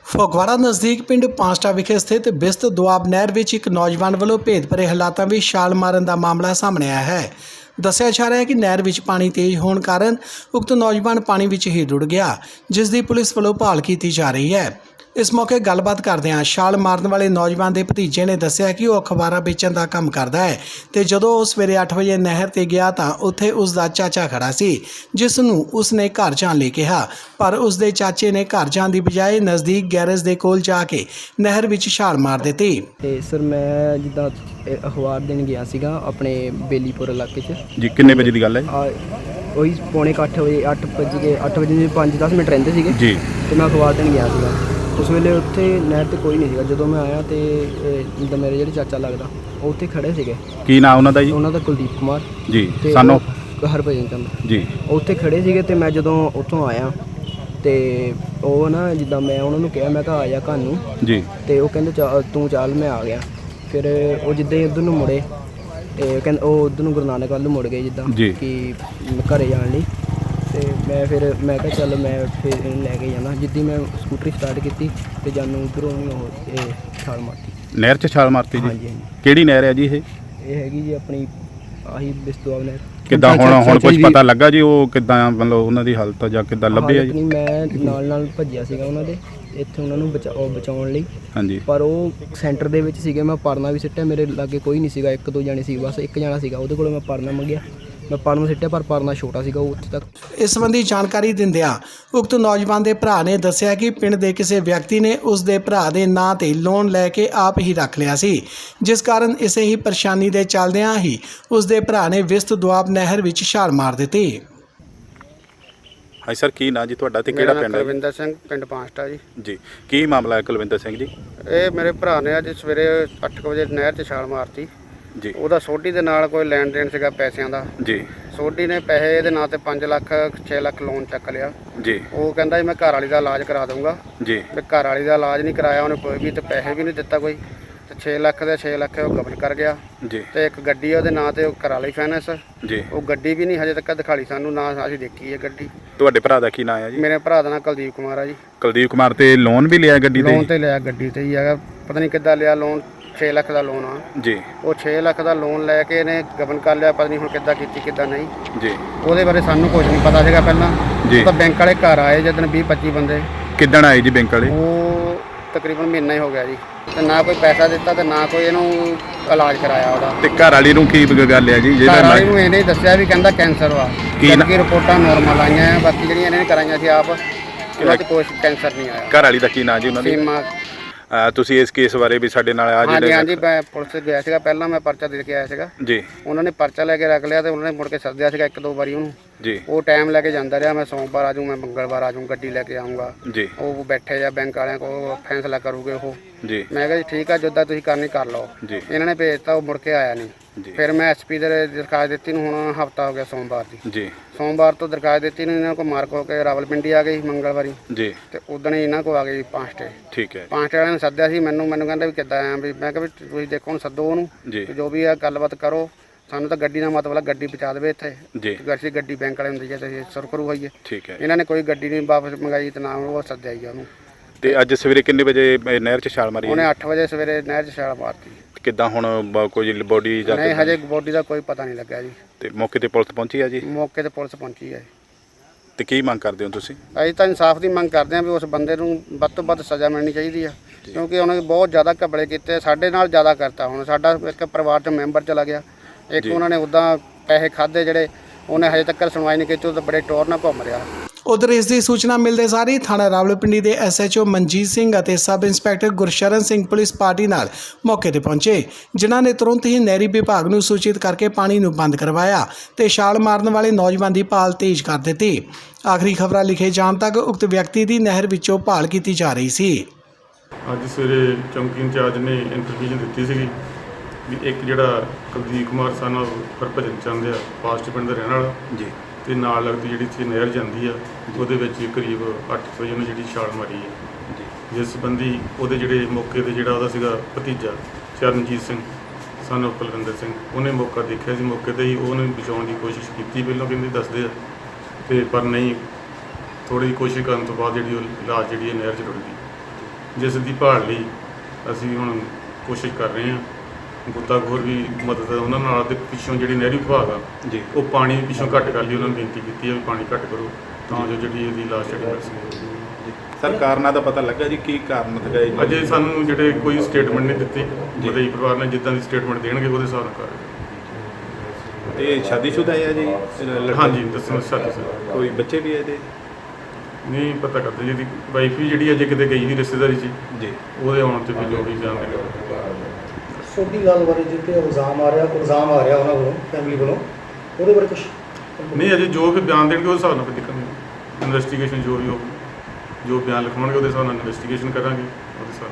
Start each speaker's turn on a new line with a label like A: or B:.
A: ਫਗਵਾੜਾ ਨਜ਼ਦੀਕ ਪਿੰਡ ਪਾਂਸਟਾ ਵਿਖੇ ਸਥਿਤ ਬਿਸਤ ਦੁਆਬ ਨਹਿਰ ਵਿੱਚ ਇੱਕ ਨੌਜਵਾਨ ਵੱਲੋਂ ਭੇਦ ਭਰੇ ਹਾਲਾਤਾਂ ਵਿੱਚ ਛਾਲ ਮਾਰਨ ਦਾ ਮਾਮਲਾ ਸਾਹਮਣੇ ਆਇਆ ਹੈ। ਦੱਸਿਆ ਜਾ ਰਿਹਾ ਹੈ ਕਿ ਨਹਿਰ ਵਿੱਚ ਪਾਣੀ ਤੇਜ਼ ਹੋਣ ਕਾਰਨ ਉਕਤ ਨੌਜਵਾਨ ਪਾਣੀ ਵਿੱਚ ਹੀ ਰੁੜ ਗਿਆ, ਜਿਸ ਦੀ ਪੁਲਿਸ ਵੱਲੋਂ ਭਾਲ ਕੀਤੀ ਜਾ ਰਹੀ ਹੈ। ਇਸ ਮੌਕੇ ਗੱਲਬਾਤ ਕਰਦਿਆਂ ਛਾਲ ਮਾਰਨ ਵਾਲੇ ਨੌਜਵਾਨ ਦੇ ਭਤੀਜੇ ਨੇ ਦੱਸਿਆ ਕਿ ਉਹ ਅਖਬਾਰਾਂ ਵੇਚਣ ਦਾ ਕੰਮ ਕਰਦਾ ਹੈ ਤੇ ਜਦੋਂ ਉਹ ਸਵੇਰੇ 8 ਵਜੇ ਨਹਿਰ ਤੇ ਗਿਆ ਤਾਂ ਉੱਥੇ ਉਸ ਦਾ ਚਾਚਾ ਖੜਾ ਸੀ, ਜਿਸ ਨੂੰ ਉਸ ਨੇ ਘਰ ਜਾਣ ਲਈ ਕਿਹਾ, ਪਰ ਉਸ ਦੇ ਚਾਚੇ ਨੇ ਘਰ ਜਾਣ ਦੀ ਬਜਾਏ ਨਜ਼ਦੀਕ ਗੈਰੇਜ ਦੇ ਕੋਲ ਜਾ ਕੇ ਨਹਿਰ ਵਿੱਚ ਛਾਲ ਮਾਰ ਦਿੱਤੀ।
B: ਤੇ ਸਰ ਮੈਂ ਜਿੱਦਾਂ ਅਖਬਾਰ ਦੇਣ ਗਿਆ ਸੀਗਾ ਆਪਣੇ ਬੇਲੀਪੁਰ ਇਲਾਕੇ 'ਚ
C: ਜੀ। ਕਿੰਨੇ ਵਜੇ ਦੀ ਗੱਲ ਹੈ?
B: ਉਹੀ ਪੌਣੇ 8 ਵਜੇ 8 ਵਜੇ 5-10 ਮਿੰਟ ਰਹਿੰਦੇ ਸੀਗੇ
C: ਜੀ।
B: ਤੇ ਮੈਂ ਅਖਬਾਰ ਦੇਣ ਗਿਆ ਸੀਗਾ। ਉਸ ਵੇਲੇ ਉੱਥੇ ਨਹਿਰ ਤੇ ਕੋਈ ਨਹੀਂ ਸੀਗਾ। ਜਦੋਂ ਮੈਂ ਆਇਆ ਤੇ ਜਿੱਦਾਂ ਮੇਰੇ ਜਿਹੜੇ ਚਾਚਾ ਲੱਗਦਾ ਉਹ ਉੱਥੇ ਖੜੇ ਸੀਗੇ।
C: ਕੀ ਨਾਮ ਉਹਨਾਂ ਦਾ ਜੀ?
B: ਉਹਨਾਂ ਦਾ ਕੁਲਦੀਪ ਕੁਮਾਰ
C: ਜੀ।
B: ਤੇ
C: ਸਾਨੂੰ
B: ਹਰਭਜਨ ਚੰਦ
C: ਜੀ।
B: ਉਹ ਉੱਥੇ ਖੜੇ ਸੀਗੇ ਤੇ ਮੈਂ ਜਦੋਂ ਉੱਥੋਂ ਆਇਆ ਤੇ ਉਹ ਨਾ ਜਿੱਦਾਂ ਮੈਂ ਉਹਨਾਂ ਨੂੰ ਕਿਹਾ, ਮੈਂ ਕਿਹਾ ਆ ਜਾ ਘਰ ਨੂੰ
C: ਜੀ।
B: ਤੇ ਉਹ ਕਹਿੰਦੇ ਤੂੰ ਚੱਲ, ਮੈਂ ਆ ਗਿਆ। ਫਿਰ ਉਹ ਜਿੱਦਾਂ ਹੀ ਉੱਧਰ ਨੂੰ ਮੁੜੇ ਤੇ ਕਹਿੰਦੇ ਉਹ ਉੱਧਰ ਨੂੰ ਗੁਰੂ ਨਾਨਕ ਵੱਲ ਨੂੰ ਮੁੜ ਗਏ ਜਿੱਦਾਂ ਕਿ ਘਰੇ ਜਾਣ ਲਈ। ਤੇ ਮੈਂ ਕਿਹਾ ਚੱਲ ਮੈਂ ਫਿਰ ਇਹਨੂੰ ਲੈ ਕੇ ਜਾਣਾ। ਜਿੱਦੀ ਮੈਂ ਸਕੂਟਰੀ ਸਟਾਰਟ ਕੀਤੀ ਤੇ ਜਾਨੂੰ ਉੱਧਰੋਂ ਉਹ ਛਾਲ ਮਾਰਤੀ।
C: ਨਹਿਰ 'ਚ ਛਾਲ ਮਾਰਤੀ ਜੀ?
B: ਹਾਂਜੀ।
C: ਕਿਹੜੀ ਨਹਿਰ ਹੈ ਜੀ ਇਹ?
B: ਇਹ ਹੈਗੀ ਜੀ ਆਪਣੀ ਆਹੀ ਬਿਸਤੂਆਬ ਨਹਿਰ।
C: ਕਿੱਦਾਂ ਹੁਣ ਕੁਝ ਪਤਾ ਲੱਗਾ ਜੀ ਉਹ ਕਿੱਦਾਂ ਮਤਲਬ ਉਹਨਾਂ ਦੀ ਹਾਲਤ ਜਾਂ ਕਿੱਦਾਂ ਲੱਭੇ ਆ ਜੀ?
B: ਮੈਂ ਨਾਲ ਭੱਜਿਆ ਸੀਗਾ ਉਹਨਾਂ ਦੇ ਇੱਥੇ ਉਹਨਾਂ ਨੂੰ ਬਚਾਉਣ ਲਈ।
C: ਹਾਂਜੀ। ਪਰ
B: ਉਹ ਸੈਂਟਰ ਦੇ ਵਿੱਚ ਸੀਗੇ। ਮੈਂ ਪਰਨਾ ਵੀ ਸਿੱਟਿਆ, ਮੇਰੇ ਲਾਗੇ ਕੋਈ ਨਹੀਂ ਸੀਗਾ, 1-2 ਜਾਣੇ ਸੀ ਬਸ। ਇੱਕ ਜਾਣਾ ਸੀਗਾ, ਉਹਦੇ ਕੋਲੋਂ ਮੈਂ ਪਰਨਾ ਮੰਗਿਆ, ਮੈਂ ਪਰਨਾ ਸਿੱਟਿਆ ਪਰ ਪਰਨਾ ਛੋਟਾ ਸੀਗਾ, ਉਹ ਉੱਥੇ ਤੱਕ।
A: ਇਸ ਸੰਬੰਧੀ ਜਾਣਕਾਰੀ ਦਿੰਦਿਆਂ ਉਕਤ ਨੌਜਵਾਨ ਦੇ ਭਰਾ ਨੇ ਦੱਸਿਆ ਕਿ ਪਿੰਡ ਦੇ ਕਿਸੇ ਵਿਅਕਤੀ ਨੇ ਉਸ ਦੇ ਭਰਾ ਦੇ ਨਾਂ ਤੇ ਲੋਨ ਲੈ ਕੇ ਆਪ ਹੀ ਰੱਖ ਲਿਆ ਸੀ, ਜਿਸ ਕਾਰਨ ਇਸੇ ਹੀ ਪਰੇਸ਼ਾਨੀ ਦੇ ਚੱਲਦਿਆਂ ਹੀ ਉਸ ਦੇ ਭਰਾ ਨੇ ਬਿਸਤ ਦੁਆਬ ਨਹਿਰ ਵਿੱਚ ਛਾਲ ਮਾਰ ਦਿੱਤੀ।
C: ਹਾਂ ਸਰ, ਕੀ ਨਾਂ ਜੀ ਤੁਹਾਡਾ ਤੇ ਕਿਹੜਾ ਪਿੰਡ ਹੈ?
D: ਕੁਲਵਿੰਦਰ ਸਿੰਘ, ਪਿੰਡ ਪਾਂਸਟਾ ਜੀ।
C: ਜੀ। ਕੀ ਮਾਮਲਾ ਹੈ ਕੁਲਵਿੰਦਰ ਸਿੰਘ ਜੀ?
D: ਇਹ ਮੇਰੇ ਭਰਾ ਨੇ ਅੱਜ ਸਵੇਰੇ 8 ਵਜੇ ਨਹਿਰ 'ਚ ਛਾਲ ਮਾਰਤੀ
C: ਜੀ।
D: ਉਹਦਾ ਸੋਢੀ ਦੇ ਨਾਲ ਕੋਈ ਲੈਣ ਦੇਣ ਸੀਗਾ ਪੈਸਿਆਂ ਦਾ
C: ਜੀ।
D: ਸੋਢੀ ਨੇ ਪੈਸੇ ਇਹਦੇ ਨਾਂ ਤੇ 5 ਲੱਖ 6 ਲੱਖ ਲੋਨ ਚੱਕ ਲਿਆ
C: ਜੀ।
D: ਉਹ ਕਹਿੰਦਾ ਜੀ ਮੈਂ ਘਰ ਵਾਲੀ ਦਾ ਇਲਾਜ ਕਰਾ ਦੂੰਗਾ
C: ਜੀ।
D: ਵੀ ਘਰ ਵਾਲੀ ਦਾ ਇਲਾਜ ਨਹੀਂ ਕਰਾਇਆ ਉਹਨੇ ਕੋਈ ਵੀ, ਤੇ ਪੈਸੇ ਵੀ ਨਹੀਂ ਦਿੱਤਾ ਕੋਈ, ਤੇ 6 ਲੱਖ ਦੇ 6 ਲੱਖ ਉਹ ਕਬਲ ਕਰ ਗਿਆ।
C: ਜੀ।
D: ਤੇ ਇੱਕ ਗੱਡੀ ਉਹਦੇ ਨਾਂ ਤੇ ਉਹ ਕਰਾ ਲਈ ਫਾਈਨੈਂਸ।
C: ਜੀ।
D: ਉਹ ਗੱਡੀ ਵੀ ਨਹੀਂ ਹਜੇ ਤੱਕ ਦਿਖਾਲੀ ਸਾਨੂੰ, ਨਾ ਅਸੀਂ ਦੇਖੀ ਹੈ ਗੱਡੀ।
C: ਤੁਹਾਡੇ ਭਰਾ ਦਾ ਕੀ ਨਾਮ ਹੈ ਜੀ?
D: ਮੇਰੇ ਭਰਾ ਦਾ ਨਾਂ ਕੁਲਦੀਪ ਕੁਮਾਰ ਆ ਜੀ।
C: ਕੁਲਦੀਪ ਕੁਮਾਰ ਤੇ ਲੋਨ ਵੀ ਲਿਆ ਗੱਡੀ ਤੇ?
D: ਲੋਨ ਤੇ ਲਿਆ, ਗੱਡੀ ਤੇ ਹੀ ਹੈਗਾ, ਪਤਾ ਨਹੀਂ ਕਿੱਦਾਂ ਲਿਆ ਲੋਨ। 6 ਲੱਖ ਦਾ ਲੋਨ ਆ
C: ਜੀ।
D: ਉਹ 6 ਲੱਖ ਦਾ ਲੋਨ ਲੈ ਕੇ ਇਹਨੇ ਗਬਨ ਕਰ ਲਿਆ, ਪਤਾ ਨਹੀਂ ਹੁਣ ਕਿੱਦਾਂ ਕੀਤੀ ਕਿੱਦਾਂ ਨਹੀਂ
C: ਜੀ।
D: ਉਹਦੇ ਬਾਰੇ ਸਾਨੂੰ ਕੁਝ ਨਹੀਂ ਪਤਾ ਸੀਗਾ ਪਹਿਲਾਂ।
C: ਜੀ।
D: ਤਾਂ ਬੈਂਕ ਵਾਲੇ ਘਰ ਆਏ ਜਦੋਂ 20-25 ਬੰਦੇ।
C: ਕਿੱਦਣ ਆਏ ਜੀ ਬੈਂਕ ਵਾਲੇ?
D: ਉਹ ਤਕਰੀਬਨ ਮਹੀਨਾ ਹੀ ਹੋ ਗਿਆ ਜੀ, ਤੇ ਨਾ ਕੋਈ ਪੈਸਾ ਦਿੱਤਾ ਤੇ ਨਾ ਕੋਈ ਇਹਨੂੰ ਇਲਾਜ ਕਰਾਇਆ ਉਹਦਾ।
C: ਤੇ ਘਰ ਵਾਲੀ ਨੂੰ ਕੀ ਗੱਲ ਹੈ ਜੀ?
D: ਘਰ ਵਾਲੀ ਨੂੰ ਇਹਨੇ ਦੱਸਿਆ ਵੀ ਕਹਿੰਦਾ ਕੈਂਸਰ ਵਾ, ਕਿ ਰਿਪੋਰਟਾਂ ਨੋਰਮਲ ਆਈਆਂ ਆ, ਬਾਕੀ ਜਿਹੜੀਆਂ ਇਹਨੇ ਕਰਾਈਆਂ ਸੀ ਆਪ, ਉਹਨਾਂ 'ਚ ਕੋਈ ਕੈਂਸਰ ਨਹੀਂ ਆਇਆ।
C: ਘਰ ਵਾਲੀ ਦਾ ਕੀ ਨਾਮ ਜੀ ਉਹਨਾਂ ਦੀ?
D: ਸੀਮਾ।
C: ਤੁਸੀਂ ਇਸ ਕੇਸ ਬਾਰੇ ਵੀ ਸਾਡੇ ਨਾਲ ਆ ਜਿਹੜੇ?
D: ਹਾਂਜੀ, ਮੈਂ ਪੁਲਿਸ ਗਿਆ ਸੀਗਾ, ਪਹਿਲਾਂ ਮੈਂ ਪਰਚਾ ਦੇ ਕੇ ਆਇਆ ਸੀਗਾ
C: ਜੀ। ਉਹਨਾਂ
D: ਨੇ ਪਰਚਾ ਲੈ ਕੇ ਰੱਖ ਲਿਆ ਤੇ ਉਹਨਾਂ ਨੇ ਮੁੜ ਕੇ ਸੱਦਿਆ ਸੀਗਾ 1-2 ਵਾਰੀ ਉਹਨੂੰ
C: ਜੀ। ਉਹ
D: ਟਾਈਮ ਲੈ ਕੇ ਜਾਂਦਾ ਰਿਹਾ, ਮੈਂ ਸੋਮਵਾਰ ਆ ਜਾਊਂ, ਮੈਂ ਮੰਗਲਵਾਰ ਆ ਜਾਊਂ, ਗੱਡੀ ਲੈ ਕੇ ਆਊਂਗਾ
C: ਜੀ।
D: ਉਹ ਬੈਠੇ ਆ ਬੈਂਕ ਵਾਲਿਆਂ ਕੋਲ, ਫੈਸਲਾ ਕਰੂਗੇ ਉਹ
C: ਜੀ। ਮੈਂ
D: ਕਿਹਾ ਜੀ ਠੀਕ ਆ, ਜਿੱਦਾਂ ਤੁਸੀਂ ਕਰਨੀ ਕਰ ਲਓ
C: ਜੀ।
D: ਇਹਨਾਂ ਨੇ ਭੇਜਤਾ, ਉਹ ਮੁੜ ਕੇ ਆਇਆ ਨਹੀਂ। ਫਿਰ ਮੈਂ ਐਸਪੀ ਦੇ ਦਰਖਾਸਤ ਦਿੱਤੀ ਨੂੰ, ਹੁਣ ਹਫਤਾ ਹੋ ਗਿਆ ਸੋਮਵਾਰ ਦੀ।
C: ਜੀ।
D: ਸੋਮਵਾਰ ਤੋਂ ਦਰਖਾਸਤ ਦਿੱਤੀ ਨੂੰ, ਇਹਨਾਂ ਕੋਲ ਮਾਰਕ ਹੋ ਕੇ ਰਾਵਲਪਿੰਡੀ ਆ ਗਈ ਮੰਗਲਵਾਰੀ
C: ਜੀ।
D: ਤੇ ਉਦੋਂ ਹੀ ਇਹਨਾਂ ਕੋਲ ਆ ਗਈ ਪਾਂਸਟੇ।
C: ਠੀਕ ਹੈ।
D: ਪਾਂਸਟੇ ਵਾਲਿਆਂ ਨੇ ਸੱਦਿਆ ਸੀ ਮੈਨੂੰ ਕਹਿੰਦਾ ਵੀ ਕਿੱਦਾਂ ਆਇਆ, ਵੀ ਮੈਂ ਕਿਹਾ ਵੀ ਤੁਸੀਂ ਦੇਖੋ ਹੁਣ ਸੱਦੋ ਉਹਨੂੰ, ਜੋ ਵੀ ਆ ਗੱਲਬਾਤ ਕਰੋ, ਸਾਨੂੰ ਤਾਂ ਗੱਡੀ ਦਾ ਮਤਲਬ ਗੱਡੀ ਪਹੁੰਚਾ ਦੇਵੇ ਇੱਥੇ ਜੀ। ਗੱਡੀ ਬੈਂਕ ਵਾਲੇ ਹੁੰਦੀ ਹੈ ਤੇ ਸੁਰਖਰੂ ਹੋਈਏ।
C: ਠੀਕ ਹੈ।
D: ਇਹਨਾਂ ਨੇ ਕੋਈ ਗੱਡੀ ਨਹੀਂ ਵਾਪਸ ਮੰਗਾਈ ਤੇ ਨਾ ਉਹ ਸੱਦਿਆ ਹੀ ਉਹਨੂੰ।
C: ਤੇ ਅੱਜ ਸਵੇਰੇ ਕਿੰਨੇ ਵਜੇ ਨਹਿਰ 'ਚ ਛਾਲ ਮਾਰੀ?
D: ਉਹਨੇ 8 ਵਜੇ ਸਵੇਰੇ ਨਹਿਰ 'ਚ ਛਾਲ ਮਾਰਤੀ।
C: ਕਿੱਦਾਂ ਹੁਣ ਕੋਈ ਬੋਡੀ ਜਾਂ?
D: ਨਹੀਂ, ਹਜੇ ਬੋਡੀ ਦਾ ਕੋਈ ਪਤਾ ਨਹੀਂ ਲੱਗਾ ਜੀ।
C: ਤੇ ਮੌਕੇ ਤੇ ਪੁਲਿਸ ਪਹੁੰਚੀ ਆ ਜੀ?
D: ਮੌਕੇ ਤੇ ਪੁਲਿਸ ਪਹੁੰਚੀ ਹੈ।
C: ਤੇ ਕੀ ਮੰਗ ਕਰਦੇ ਹੋ ਤੁਸੀਂ?
D: ਅਸੀਂ ਤਾਂ ਇਨਸਾਫ ਦੀ ਮੰਗ ਕਰਦੇ ਹਾਂ ਵੀ ਉਸ ਬੰਦੇ ਨੂੰ ਵੱਧ ਤੋਂ ਵੱਧ ਸਜ਼ਾ ਮਿਲਣੀ ਚਾਹੀਦੀ ਆ, ਕਿਉਂਕਿ ਉਹਨੇ ਬਹੁਤ ਜ਼ਿਆਦਾ ਘਪਲੇ ਕੀਤੇ, ਸਾਡੇ ਨਾਲ ਜ਼ਿਆਦਾ ਕਰਤਾ। ਹੁਣ ਸਾਡਾ ਇੱਕ ਪਰਿਵਾਰ 'ਚ ਮੈਂਬਰ ਚਲਾ ਗਿਆ, ਇੱਕ ਉਹਨਾਂ ਨੇ ਉੱਦਾਂ ਪੈਸੇ ਖਾਦੇ ਜਿਹੜੇ, ਉਹਨੇ ਹਜੇ ਤੱਕ ਸੁਣਵਾਈ ਨਹੀਂ ਕੀਤੀ, ਉਹ ਤਾਂ ਬੜੇ ਟੋਰ ਨਾਲ ਘੁੰਮ ਰਿਹਾ।
A: ਉਧਰ ਇਸ ਦੀ ਸੂਚਨਾ ਮਿਲਦੇ ਸਾਰ ਹੀ ਥਾਣਾ ਰਾਵਲਪਿੰਡੀ ਦੇ SHO ਮਨਜੀਤ ਸਿੰਘ ਅਤੇ sub inspector Gursharan Singh police party ਨਾਲ ਮੌਕੇ ਤੇ ਪਹੁੰਚੇ, ਜਿਨ੍ਹਾਂ ਨੇ ਤੁਰੰਤ ਹੀ ਨਹਿਰੀ ਵਿਭਾਗ ਨੂੰ ਸੂਚਿਤ ਕਰਕੇ ਪਾਣੀ ਨੂੰ ਬੰਦ ਕਰਵਾਇਆ ਤੇ ਛਾਲ ਮਾਰਨ ਵਾਲੇ ਨੌਜਵਾਨ ਦੀ ਭਾਲ ਤੇਜ਼ ਕਰ ਦਿੱਤੀ। ਆਖਰੀ ਖਬਰਾਂ ਲਿਖੇ ਜਾਣ ਤੱਕ ਉਕਤ ਵਿਅਕਤੀ ਦੀ ਨਹਿਰ ਵਿੱਚੋਂ ਭਾਲ ਕੀਤੀ ਜਾ ਰਹੀ ਸੀ।
E: ਅੱਜ ਸਵੇਰੇ ਚੌਂਕੀ ਇੰਚਾਰਜ ਨੇ ਇਨਫੋਰਮੇਸ਼ਨ ਦਿੱਤੀ ਸੀਗੀ ਵੀ ਇੱਕ ਜਿਹੜਾ ਕੁਲਦੀਪ ਕੁਮਾਰ ਸਾਨੂੰ ਹਰਭਜਨ ਚੰਦ ਆ, ਪਾਸਟ ਪਿੰਡ ਦਾ ਰਹਿਣ ਵਾਲਾ ਜੀ, ਤੇ ਨਾਲ ਲੱਗਦੀ ਜਿਹੜੀ ਇੱਥੇ ਨਹਿਰ ਜਾਂਦੀ ਆ, ਉਹਦੇ ਵਿੱਚ ਕਰੀਬ 8 ਵਜੇ ਉਹਨੇ ਜਿਹੜੀ ਛਾਲ ਮਾਰੀ ਹੈ ਜੀ। ਜਿਸ ਸੰਬੰਧੀ ਉਹਦੇ ਜਿਹੜੇ ਮੌਕੇ 'ਤੇ ਜਿਹੜਾ ਉਹਦਾ ਸੀਗਾ ਭਤੀਜਾ ਚਰਨਜੀਤ ਸਿੰਘ ਸਾਨੂੰ ਕੁਲਵਿੰਦਰ ਸਿੰਘ, ਉਹਨੇ ਮੌਕਾ ਦੇਖਿਆ ਸੀ, ਮੌਕੇ 'ਤੇ ਹੀ ਉਹਨੇ ਬਚਾਉਣ ਦੀ ਕੋਸ਼ਿਸ਼ ਕੀਤੀ, ਪਹਿਲਾਂ ਕਹਿੰਦੇ ਦੱਸਦੇ ਆ, ਤੇ ਪਰ ਨਹੀਂ, ਥੋੜ੍ਹੀ ਕੋਸ਼ਿਸ਼ ਕਰਨ ਤੋਂ ਬਾਅਦ ਜਿਹੜੀ ਉਹ ਲਾਸ਼ ਜਿਹੜੀ ਨਹਿਰ 'ਚ ਰੁੜ ਗਈ। ਜਿਸ ਦੀ ਭਾਲ ਲਈ ਅਸੀਂ ਹੁਣ ਕੋਸ਼ਿਸ਼ ਕਰ ਰਹੇ ਹਾਂ। ਗੋਤਾਖੋਰ ਵੀ ਮਦਦ ਉਹਨਾਂ ਨਾਲ ਤੇ ਪਿੱਛੋਂ ਜਿਹੜੀ ਨਹਿਰੀ ਵਿਭਾਗ ਆ
C: ਜੀ
E: ਉਹ ਪਾਣੀ ਪਿੱਛੋਂ ਘੱਟ ਕਰ ਲਈ, ਉਹਨਾਂ ਨੂੰ ਬੇਨਤੀ ਕੀਤੀ ਹੈ ਵੀ ਪਾਣੀ ਘੱਟ ਕਰੋ ਤਾਂ ਜੋ ਜਿਹੜੀ ਇਹਦੀ ਲਾਸ਼ ਜਿਹੜੀ ਮਿਲ ਸਕੇ।
C: ਸਰ ਕਾਰਨਾਂ ਦਾ ਪਤਾ ਲੱਗਾ ਜੀ ਕੀ ਕਾਰਨ ਸੀਗਾ ਜੀ?
E: ਅਜੇ ਸਾਨੂੰ ਜਿਹੜੇ ਕੋਈ ਸਟੇਟਮੈਂਟ ਨਹੀਂ ਦਿੱਤੀ, ਮਦਈ ਪਰਿਵਾਰ ਨੇ ਜਿੱਦਾਂ ਦੀ ਸਟੇਟਮੈਂਟ ਦੇਣਗੇ ਉਹਦੇ ਹਿਸਾਬ ਨਾਲ ਕਰ
C: ਇਹ ਸ਼ਾਦੀशुदा ਹੈ ਜੀ ਲੜਕਾ?
E: ਹਾਂਜੀ ਦੱਸੋ ਸਾਥੀ ਸਰ।
C: ਕੋਈ ਬੱਚੇ ਵੀ ਹੈ ਇਹਦੇ?
E: ਨਹੀਂ ਪਤਾ ਕਰਦੇ ਜੀ, ਇਹਦੀ ਵਾਈਫ ਵੀ ਜਿਹੜੀ ਅਜੇ ਕਿਤੇ ਗਈ ਸੀ ਰਿਸ਼ਤੇਦਾਰੀ 'ਚ,
C: ਜੀ
E: ਉਹਦੇ ਆਉਣ ਤੇ ਵੀ ਜੋ ਵੀ ਜਾਣ ਦੇ
F: ਛੋਟੀ ਗੱਲ ਬਾਰੇ ਜਿੱਤੇ ਇਲਜ਼ਾਮ ਆ ਰਿਹਾ ਉਹਨਾਂ ਵੱਲੋਂ ਫੈਮਿਲੀ ਵੱਲੋਂ, ਉਹਦੇ ਬਾਰੇ ਕੁਝ
E: ਨਹੀਂ ਅਜੇ ਜੋ ਵੀ ਬਿਆਨ ਦੇਣਗੇ ਉਸ ਹਿਸਾਬ ਨਾਲ ਫਿਰ ਦੇਖਾਂਗੇ। ਇਨਵੈਸਟੀਗੇਸ਼ਨ ਜੋ ਵੀ ਹੋਊਗੀ, ਜੋ ਬਿਆਨ ਲਿਖਾਉਣਗੇ ਉਹਦੇ ਹਿਸਾਬ ਨਾਲ ਇਨਵੈਸਟੀਗੇਸ਼ਨ ਕਰਾਂਗੇ ਉਹਦੇ ਹਿਸਾਬ ਨਾਲ।